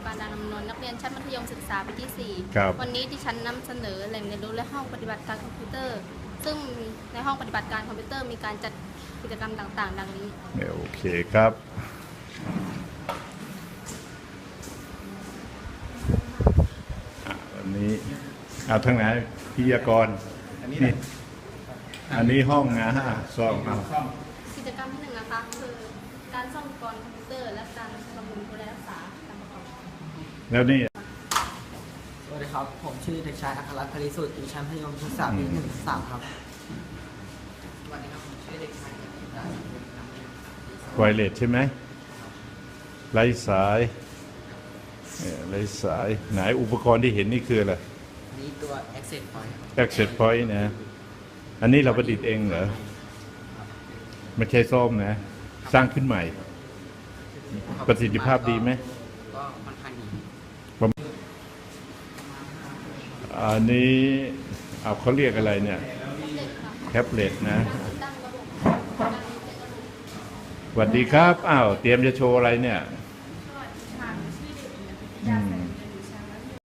ปานดานนนท์นักเรียนชั้นมัธยมศึกษาปีที่ครับ 4 วันนี้ดิฉันนำเสนอแหล่งเรียนรู้และห้องปฏิบัติการคอมพิวเตอร์ ซึ่งในห้องปฏิบัติการคอมพิวเตอร์มีการจัดกิจกรรมต่างๆ ดังนี้โอเคครับวันนี้เอาทางไหนพิยากรนี่อันนี้ห้องนะฮะซ่อมเอากิจกรรมที่ 1นะคะคือการซ่อมอุปกรณ์คอมพิวเตอร์และการบำรุงดูแลรักษาการประกอบแล้วนี่สวัสดีครับ ผมชื่อเด็กชายอัครรัตน์ พลิสุทธิ์อยู่ชั้นมัธยมศึกษาปี1-3 ครับ สวัสดีครับ ผมชื่อเด็กชายไวเลสใช่ไหมไร้สายไร้สายไหนอุปกรณ์ที่เห็นนี่คืออะไรนี่ตัว Access Point ครับ Access Point นะ อันนี้เราประดิษฐ์เองเหรอไม่ใช่ซ่อมนะ สร้างขึ้นใหม่ ประสิทธิภาพดีไหมก็ค่อนข้างดีอันนี้เอาเขาเรียกอะไรเนี่ยแท็บเล็ตนะตั้งระบบสวัสดีครับอ้าวเตรียมจะโชว์อะไรเนี่ยเ